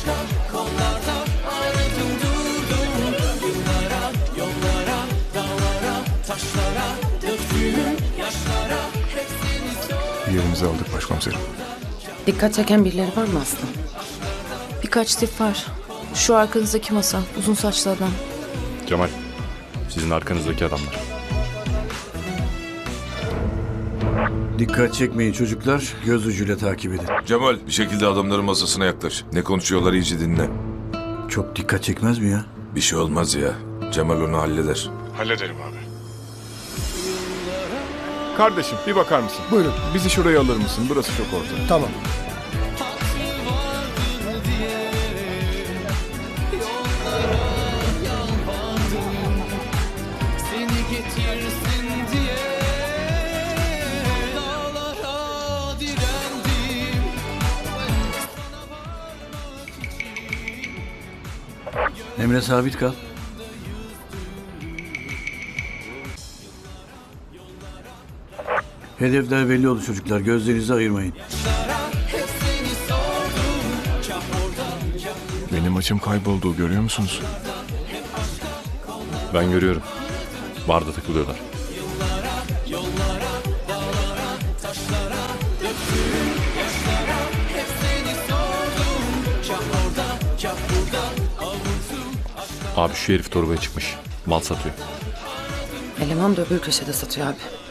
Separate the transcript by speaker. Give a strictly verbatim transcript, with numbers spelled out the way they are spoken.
Speaker 1: başka kollarda aradım durdum. Yıllara, yollara, dağlara, taşlara, döktüğüm yaşlara hepsini sor.
Speaker 2: Yerimizi aldık başkomiserim.
Speaker 3: Dikkat çeken birileri var mı Aslı?
Speaker 4: Birkaç tip var. Şu arkanızdaki masa, uzun saçlı adam.
Speaker 2: Cemal, sizin arkanızdaki adamlar.
Speaker 5: Dikkat çekmeyin çocuklar. Göz ucuyla takip edin.
Speaker 6: Cemal, bir şekilde adamların masasına yaklaş. Ne konuşuyorlar iyice dinle.
Speaker 5: Çok dikkat çekmez mi ya?
Speaker 6: Bir şey olmaz ya. Cemal onu halleder.
Speaker 2: Hallederim abi. Kardeşim bir bakar mısın?
Speaker 7: Buyurun.
Speaker 2: Bizi şuraya alır mısın? Burası çok orta.
Speaker 7: Tamam.
Speaker 1: Seni getirsin diye dağlara direndim.
Speaker 5: Emre sabit kal. Hedefler belli oldu çocuklar. Gözlerinizi ayırmayın.
Speaker 2: Benim açım kayboldu, görüyor musunuz? Ben görüyorum. Barda takılıyorlar. Abi şu herif torbaya çıkmış. Mal satıyor.
Speaker 3: Eleman da öbür köşede satıyor abi.